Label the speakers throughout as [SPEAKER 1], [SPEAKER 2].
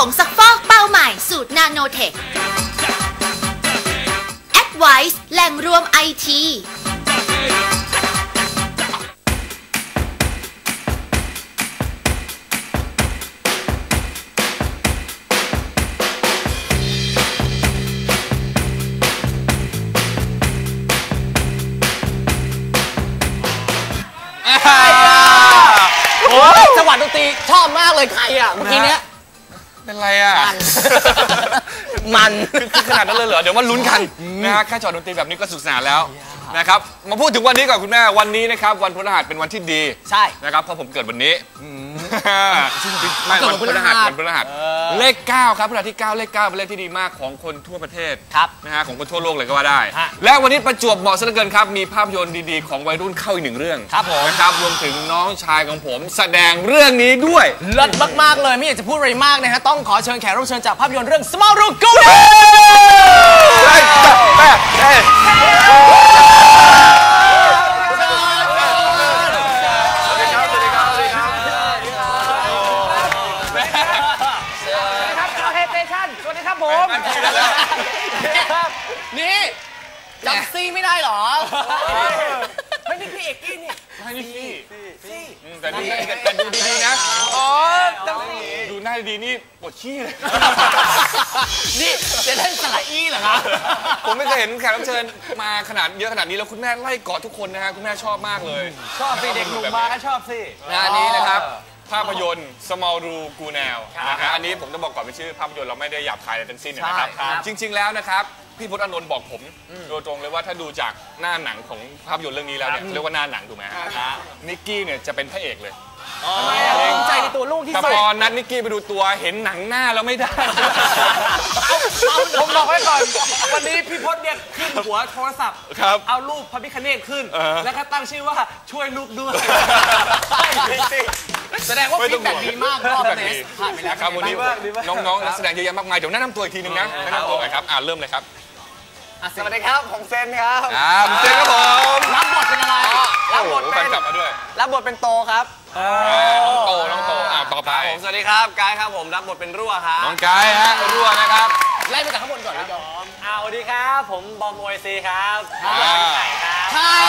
[SPEAKER 1] งซักฟอกเป้าใหม่สูตรนาโนเทค Advice แหล่งรวมไอที
[SPEAKER 2] จังหวะดนตรีชอบมากเลยใครอ่ะเมื่อกี้เนี้ย
[SPEAKER 3] เป็นไรอ่ะ
[SPEAKER 2] มัน
[SPEAKER 3] คือขนาดนั้นเลยเหรอเดี๋ยวมาลุ้นกันนะฮะแค่จอดดนตรีแบบนี้ก็สุขสนานแล้วนะครับมาพูดถึงวันนี้ก่อนคุณแม่วันนี้นะครับวันพฤหัสเป็นวันที่ดี
[SPEAKER 2] ใช่
[SPEAKER 3] นะครับเพราะผมเกิดวันนี้ไม่วันพฤหัสเลข9ครับพฤหัสที่9เลข9เป็นเลขที่ดีมากของคนทั่วประเทศนะฮะของคนทั่วโลกเลยก็ว่าได้และวันนี้ประจวบเหมาะซะเหลือเกินครับมีภาพยนตร์ดีๆของวัยรุ่นเข้าอีก1เรื่องนะครับรวมถึงน้องชายของผมแสดงเรื่องนี้ด้วย
[SPEAKER 2] เลิศมากๆเลยไม่อยากจะพูดอะไรมากนะฮะต้องขอเชิญแขกรับเชิญจากภาพยนตร์เรื่อง Small Room Go นี่จำซี่ไม่ได้หรอไม่นี่พี่เอกกี้เนี่ย
[SPEAKER 3] ไม่นี่ซี่แต่ดูดีๆนะอ๋อดูหน้าดีนี่ปวดขี้เลย
[SPEAKER 2] นี่จะเล่นสระอี้เหรอครับ
[SPEAKER 3] ผมไม่เคยเห็นแขกรับเชิญมาขนาดเยอะขนาดนี้แล้วคุณแม่ไล่กอดทุกคนนะฮะคุณแม่ชอบมากเลย
[SPEAKER 4] ชอบสิเด็กหนุ่มมาก็ชอบสิ
[SPEAKER 3] งานนี้นะครับภาพยนตร์ Small Room Go Now นะฮะอันนี้ผมจะบอกก่อนเป็นชื่อภาพยนตร์เราไม่ได้หยาบคายอะไรทั้งสิ้นนะครับจริงๆแล้วนะครับพี่พจน์อานนท์บอกผมโดยตรงเลยว่าถ้าดูจากหน้าหนังของภาพยนตร์เรื่องนี้แล้วเนี่ยเรียกว่าหน้าหนังถูกไหมนิกกี้เนี่ยจะเป็นพระเอกเลย
[SPEAKER 2] ภูมิใจในตัวลูกที่สุด
[SPEAKER 3] แต่พอนัดนิกกี้ไปดูตัวเห็นหนังหน้าแล้วไม่ได้
[SPEAKER 4] ผมบอกไว้ก่อนวันนี้พี่พจน์เนี่ยขึ้นหัวโทรศัพท์เอารูปพระพิฆเนศขึ้นแล้วก็ตั้งชื่อว่าช่วยลูกด้วย
[SPEAKER 2] แสดงว่าฟีดแบ็กดีมากรอบเนสผ่านไปแล้ว
[SPEAKER 3] ครับวันนี้น้องๆนักแสดงเยอะแยะมากมายเดี๋ยวแนะนำตัวอีกทีนึงนะแนะนำตัวหน่อยครับเริ่มเลยครับ
[SPEAKER 4] สวัสดีครับผมเซนครับ
[SPEAKER 3] เซนครับผม
[SPEAKER 2] รับบทเป็นอะไร
[SPEAKER 4] รับบทเป็น
[SPEAKER 3] กลับมาด้วย
[SPEAKER 4] รับบทเป็นโตครับ
[SPEAKER 3] น้องโตต่อไป
[SPEAKER 4] ผมสวัสดีครับกายครับผมรับบทเป็นรั่วครับ
[SPEAKER 3] น้องกายฮะรั่วนะครับ
[SPEAKER 2] ไล่มาจากข้างบนก่อนเลยยอม
[SPEAKER 4] สวัสดีครับผมบอมโอยซีครับรับบทเป็นไข่ครับ
[SPEAKER 2] ใช่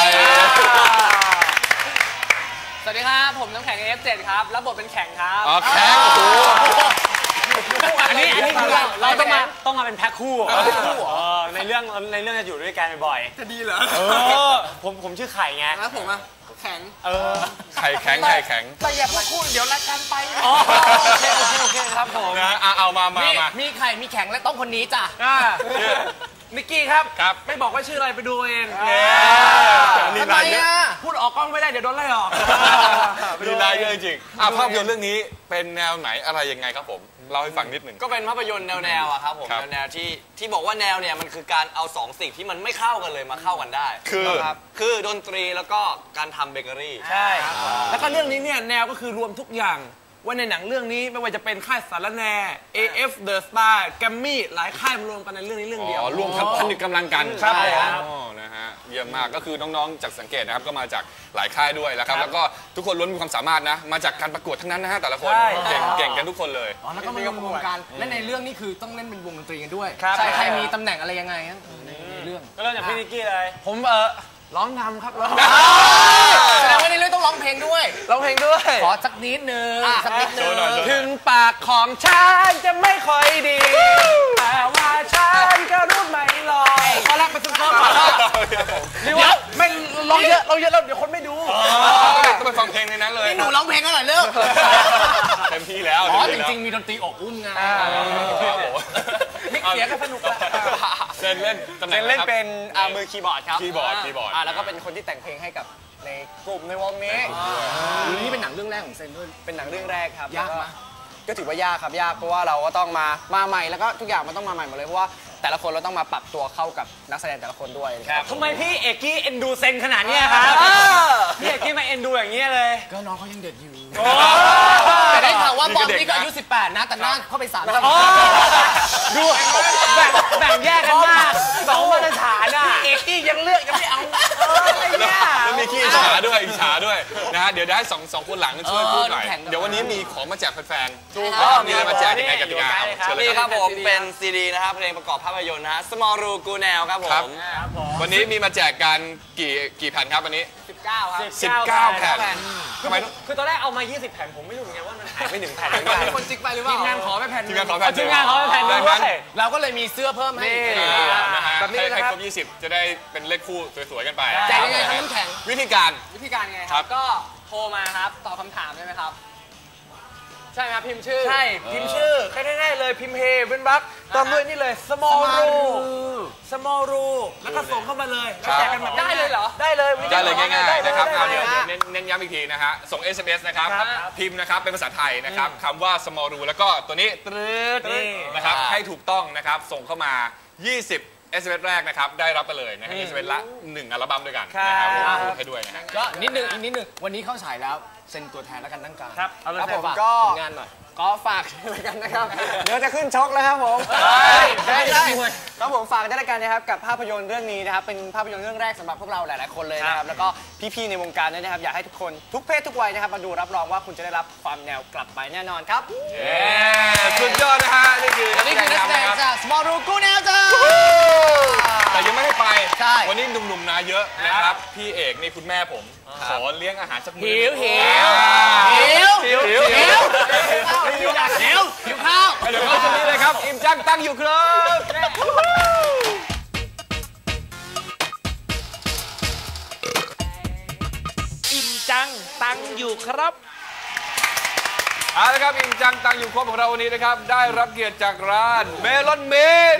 [SPEAKER 2] สวัสดีครับผมน้ำแข็ง F7 ครับรับบทเป็นแข็งครับ
[SPEAKER 3] แข็งโอ้
[SPEAKER 4] อันนี้คือเราต้องมาเป็นแพ็คคู่ในเรื่องจะอยู่ด้วยกันบ่อย
[SPEAKER 2] จะดีเหรอ
[SPEAKER 4] ผมชื่อไข่ไง
[SPEAKER 2] แล้วผมอะแข็ง
[SPEAKER 3] ไข่แข็ง
[SPEAKER 2] แต่อย่าพูดคู่เดี๋ยวรายการไป
[SPEAKER 4] โอเคครับผม
[SPEAKER 3] นะเอามา
[SPEAKER 2] มีไข่มีแข็งและต้องคนนี้จ้ะ
[SPEAKER 4] นิกกี้ครับไม่บอกว่าชื่ออะไรไปดูเอง
[SPEAKER 2] ทำไมอ่ะ
[SPEAKER 4] พูดออกกล้องไม่ได้เดี๋ยวโดนไล่ออก
[SPEAKER 3] มีนายเยอะจริงภาพยนตร์เรื่องนี้เป็นแนวไหนอะไรยังไงครับผมเล่าให้ฟังนิดหนึ่ง
[SPEAKER 4] ก็เป็นภาพยนตร์แนวอะครับผมแนวที่บอกว่าแนวเนี่ยมันคือการเอาสองสิ่งที่มันไม่เข้ากันเลยมาเข้ากันได้คือดนตรีแล้วก็การทำเบเกอรี่
[SPEAKER 2] ใช่
[SPEAKER 4] แล้วก็เรื่องนี้เนี่ยแนวก็คือรวมทุกอย่างว่าในหนังเรื่องนี้ไม่ว่าจะเป็นค่ายสารแน AF The Star แกมมี่หลายค่ายรวมกันในเรื่องนี้เรื่องเดียว
[SPEAKER 3] รวมทั้งผนึกกำลังกัน
[SPEAKER 4] ครับ
[SPEAKER 3] นะฮะเยี่ยมมากก็คือน้องๆจากสังเกตนะครับก็มาจากหลายค่ายด้วยแล้วครับแล้วก็ทุกคนล้วนมีความสามารถนะมาจากการประกวดทั้งนั้นนะฮะแต่ละคนเก่งกันทุกคนเลย
[SPEAKER 2] แล้วก็มารวมกันและในเรื่องนี้คือต้องเล่นเป็นวงดนตรีกันด้วยใครมีตำแหน่งอะไรยังไงในเรื่อง
[SPEAKER 4] ก็เริ่มจากพี่นิกกี้เลยผมร้องนำครับร้อง
[SPEAKER 2] แสดงว่าในเรื่องต้องร้องเพลงด้วยขอสักนิดนึง
[SPEAKER 4] ถึงปากของฉันจะไม่ค่อยดีแต่ว่าฉันก็รู้ไม่ลอย
[SPEAKER 2] ขอแรกไปซุ่มๆก่อน
[SPEAKER 4] นี่ว่าไม่ร้องเยอะแล้วเดี๋ยวคนไม่ดู
[SPEAKER 3] ต้องไปฟังเพลงในนั้นเลย
[SPEAKER 2] นี่หนูร้องเพลงกันหน่อยเร็ว
[SPEAKER 3] เต็มที่แล้ว
[SPEAKER 2] จริงๆมีดนตรีอกอุ้มไง
[SPEAKER 4] มิกเสียงก็สนุกละ
[SPEAKER 3] เซนเล่น
[SPEAKER 4] เป็นมือคีย์บอร์ดครับ
[SPEAKER 3] คีย์บอร์ด
[SPEAKER 4] แล้วก็เป็นคนที่แต่งเพลงให้กับในกลุ่มในวงนี้
[SPEAKER 2] นี่เป็นหนังเรื่องแรกของเซนด้วย
[SPEAKER 4] เป็นหนังเรื่องแรกครับ
[SPEAKER 2] ยากไหม
[SPEAKER 4] ก็ถือว่ายากครับยากเพราะว่าเราก็ต้องมาใหม่แล้วก็ทุกอย่างมันต้องมาใหม่หมดเลยเพราะว่าแต่ละคนเราต้องมาปรับตัวเข้ากับนักแสดงแต่ละคนด้วยทำไมพี่เอกกี้เอ็นดูเซนขนาดนี้ครับพี่เอกกี้มาเอ็นดูอย่างนี้เลย
[SPEAKER 2] ก็น้องเขายังเด็กอยู่แต่ได้ข่าวว่าบอมนี่ก็อายุ18นะแต่หน้าเข้าไป3
[SPEAKER 4] ดูแบ่งแยกกันมากสองมาตรฐานอ่ะเอกกี้ยังเลือกยังไม่เอาอะไรเนี่ย
[SPEAKER 3] แล้วมีขี้อิจฉาด้วยนะฮะเดี๋ยวได้สองคนหลังช่วยพูดหน่อยเดี๋ยววันนี้มีของมาแจกแฟนๆมีอะไรมาแจกยังไงกติกาเชิญเลย
[SPEAKER 4] นี่
[SPEAKER 3] ค
[SPEAKER 4] ค
[SPEAKER 3] รั
[SPEAKER 4] รั
[SPEAKER 3] บบ
[SPEAKER 4] ผมเป็นซีดีนะครับเพลงประกอบภาพยนตร์นะฮะ Small Ru Gu Nel ครับผม
[SPEAKER 3] วันนี้มีมาแจกกันกี่แผ่นครับวันนี้
[SPEAKER 4] 19 ครับ
[SPEAKER 3] 19 แผ่นทำไม
[SPEAKER 4] คือตอนแรกเอามา 20 แผ่นผมไม่รู้เหมือนกันว่ามันหายไป1 แผ่นหรือเปล่า
[SPEAKER 2] มีคนจิกไปหรือเปล่า
[SPEAKER 4] ทีมงานขอไปแผ่น
[SPEAKER 3] ทีมงานขอแผ่น
[SPEAKER 4] ทีมงานขอไปแผ่นนึงด้วย
[SPEAKER 2] เราก็เลยมีเสื้อเพิ่มให้
[SPEAKER 3] นะฮะ
[SPEAKER 2] แบบนี้
[SPEAKER 3] ให้
[SPEAKER 2] นะครับ
[SPEAKER 3] ครบ20จะได้เป็นเลขคู่สวยๆกันไป
[SPEAKER 2] แจกยังไงครับน้ำแข็ง
[SPEAKER 3] วิธีการ
[SPEAKER 4] วิธีการไง
[SPEAKER 3] ครับ
[SPEAKER 4] ก็โทรมาครับตอบคำถามได้ไหมครับใช่ไหมครับพิมพ์ชื่อ
[SPEAKER 5] ใช่ พิมพ์ชื่อแค่ง่ายๆเลยพิมพ์เฮเว้นวรรคตามด้วยนี่เลย small ru แล้วก็ส่งเข้ามาเลยแล้วแจกกันแบบ
[SPEAKER 4] ได้เลยเหรอ
[SPEAKER 5] ได้เลย
[SPEAKER 3] ได้เลยง่ายๆนะครับ
[SPEAKER 5] ได้
[SPEAKER 3] เอา
[SPEAKER 5] เล
[SPEAKER 3] เดี๋ย
[SPEAKER 5] ยว
[SPEAKER 3] เน้นย้ำอีกทีนะฮะส่ง SMS นะครับ
[SPEAKER 5] ครับ
[SPEAKER 3] พิมพ์นะครับเป็นภาษาไทยนะครับคำว่า small ru แล้วก็ตัวนี้ตรึด
[SPEAKER 5] นี่
[SPEAKER 3] นะครับให้ถูกต้องนะครับส่งเข้ามา 20 SMS แรกนะครับได้รับไปเลยนะฮะ SMS ละ1อัลบั้มด้วยกันนะครับผมพูดให้ด้วยนะฮะ
[SPEAKER 2] ก็นิดนึงอีกนิดนึงวันนี้เข้าฉายแล้วเซ็นตัวแทนแล้วกันตั้งกลาง
[SPEAKER 5] ครับเอาเลย
[SPEAKER 4] ครับผม
[SPEAKER 5] ฝาก
[SPEAKER 4] ก็
[SPEAKER 2] ผลงานหน่อย
[SPEAKER 4] ก็ฝากด้วยกันนะครับ เดี๋ยวจะขึ้นชกแล้วครับผม
[SPEAKER 2] ได้
[SPEAKER 4] ครับผมฝากด้วยกันนะครับกับภาพยนตร์เรื่องนี้นะครับเป็นภาพยนตร์เรื่องแรกสำหรับพวกเราหลายๆคนเลยนะครับแล้วก็พี่ๆในวงการด้วยนะครับอยากให้ทุกคนทุกเพศทุกวัยนะครับมาดูรับรองว่าคุณจะได้รับความแนวกลับไปแน่นอนครับ
[SPEAKER 3] สุดยอดนะฮะนี่คือ
[SPEAKER 2] นี่คือนักแสดง
[SPEAKER 3] ครับ
[SPEAKER 2] จาก Small Ru Gu Nel จ้า
[SPEAKER 3] แต่ยังไม่ให้ไป
[SPEAKER 2] ใช่
[SPEAKER 3] วันนี้หนุ่มๆนะเยอะนะครับ พี่เอกนี่คุณแม่ผม ขอเลี้ยงอาหารสักมื้อ
[SPEAKER 2] หิวข้าว
[SPEAKER 3] เดี๋ยวเข้าช่วงนี้เลยครับ อิ่มจังตั้งอยู่ครับ
[SPEAKER 5] อิ่มจังตังอยู่ครับ
[SPEAKER 3] เอาละครับอิ่มจังตังอยู่ครบของเราวันนี้นะครับได้รับเกียรติจากร้านเมลอนเมน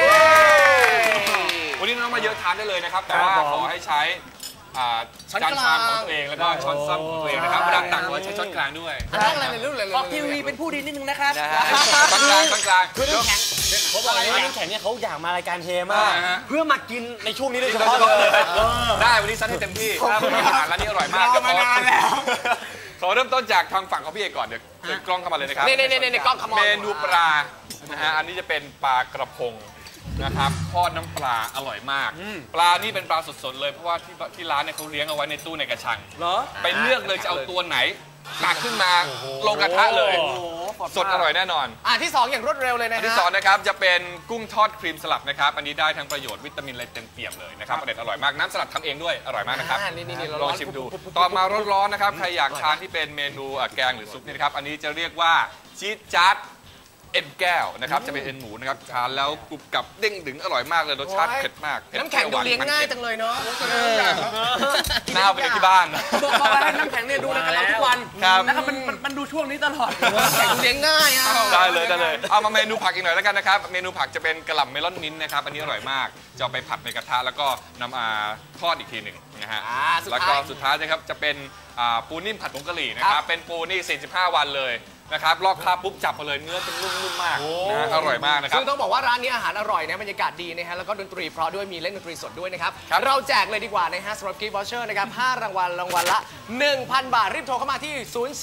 [SPEAKER 3] วันนี้น้องมาเยอะทานได้เลยนะครับแต่ว่า
[SPEAKER 5] ครับผม
[SPEAKER 3] ขอให้ใช้จานชามของตัวเองแล้วก็ช้อนซ้อมของตัวเองนะครับเวลาตักไว้ใช้ช้อนกลางด้วย
[SPEAKER 2] อันนั้นอะไรในรุ่นเลย
[SPEAKER 5] ออกทีวีเป็นผู้ดีนิดนึงนะครับ
[SPEAKER 3] ช้อนกลางช้อนกลาง
[SPEAKER 5] เขาบอกว่าน้ำแข็งเนี่ยเขาอยากมารายการเทมาก
[SPEAKER 3] ฮะ
[SPEAKER 5] เพื่อมากินในช่วงนี้โดยเฉพาะเลย
[SPEAKER 3] ได้วันนี้ซัดให้เต็มที่อาหารร้านนี้อร่อยมากมานานแล้วขอเริ่มต้นจากทางฝั่งของพี่เอกก่อนเดี๋ยวเดินกล้องเข้ามาเลยนะครับ
[SPEAKER 2] นี่กล้องขโม
[SPEAKER 3] เม
[SPEAKER 2] ย
[SPEAKER 3] นูปลานะฮะอันนี้จะเป็นปลากระพงนะครับทอดน้ำปลาอร่อยมาก ปลานี่เป็นปลาสดๆเลยเพราะว่าที่ร้านเนี่ยเขาเลี้ยงเอาไว้ในตู้ในกระชัง
[SPEAKER 5] เหรอ
[SPEAKER 3] ไปเลือกเลยจะเอาตัวไหนตักขึ้นมาลงกระทะเลย สดอร่อยแน่นอน
[SPEAKER 2] ที่2อย่างรวดเร็วเลยนะ
[SPEAKER 3] อัน
[SPEAKER 2] ฮะ
[SPEAKER 3] ที่สองนะครับจะเป็นกุ้งทอดครีมสลัดนะครับอันนี้ได้ทั้งประโยชน์วิตามินอะไรเต็มเปี่ยมเลยนะครับอร่อยมากน้ำสลัดทำเองด้วยอร่อยมากนะครับ
[SPEAKER 2] นี่
[SPEAKER 3] ลองชิมดูต่อมาร้อนๆนะครับใครอยากทานที่เป็นเมนูแกงหรือซุปนี่นะครับอันนี้จะเรียกว่าชีสจัดเอ็นแก้วนะครับจะเป็นเอ็นหมูนะครับทานแล้วกรุบกรับเด้งดึงอร่อยมากเลยรสชาติเผ็ดมากเผ็ด
[SPEAKER 2] น้ำแข็งดูเลี้ยงง่ายจังเลยเนาะ
[SPEAKER 3] หน้าไปเลี้ยงที่บ้าน
[SPEAKER 5] บอกว่าให้น้ำแข็งเนี่ยดูรายการเราทุกวัน
[SPEAKER 3] ครับ
[SPEAKER 5] นะครับมันดูช่วงนี้ตลอด
[SPEAKER 2] น้ำแข็งดูเลี้ยงง่ายอ่ะ
[SPEAKER 3] ได้เลยเอามาเมนูผักอีกหน่อยแล้วกันนะครับเมนูผักจะเป็นกะหล่ำเมลอนมิ้นท์นะครับอันนี้อร่อยมากจะเอาไปผัดในกระทะแล้วก็นำมาทอดอีกทีหนึ่งนะฮะแล้วก็สุดท้ายนะครับจะเป็นปูนิ่มผัดผงกะหรี่นะครับเป็นปูนี่45 วันเลยนะครับลอกคราบปุ๊บจับมาเลยเนื้อเป็นนุ่มๆมากนะอร่อยมากนะครับ
[SPEAKER 2] ซึ่งต้องบอกว่าร้านนี้อาหารอร่อยนะบรรยากาศดีนะฮะแล้วก็ดนตรีเพราะด้วยมีเล่นดนตรีสดด้วยนะครับ
[SPEAKER 3] ครับ
[SPEAKER 2] เราแจกเลยดีกว่านะฮะสำหรับกิฟต์วอเชอร์นะครับ5รางวัลละ 1,000 บาทรีบโทรเข้ามาที่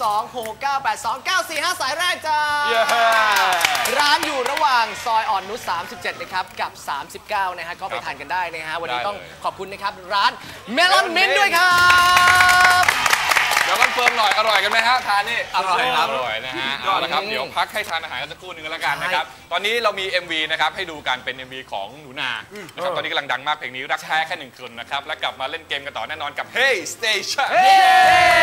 [SPEAKER 2] 026698294 สายแรกจ้า
[SPEAKER 3] เย้
[SPEAKER 2] ร้านอยู่ระหว่างซอยอ่อนนุช37นะครับกับ 39นะฮะก็ไปทานกันได้นะฮะวันนี้
[SPEAKER 3] ได้เลย
[SPEAKER 2] ต้องขอบคุณนะครับร้านเมลอนมินด้วยครับ
[SPEAKER 3] เดี๋ยวคอนเฟิร์มหน่อยอร่อยกันไหมฮะทานนี่
[SPEAKER 2] อร่อยครับ
[SPEAKER 3] อร่อยนะฮะเอาละครับเดี๋ยวพักให้ทานอาหารกันสักครู่หนึงแล้วกันนะครับตอนนี้เรามี MV นะครับให้ดูกันเป็น MV ของหนูนานะครับตอนนี้กำลังดังมากเพลงนี้รักแท้แค่1 คนนะครับแล้วกลับมาเล่นเกมกันต่อแน่นอนกับ Hey Station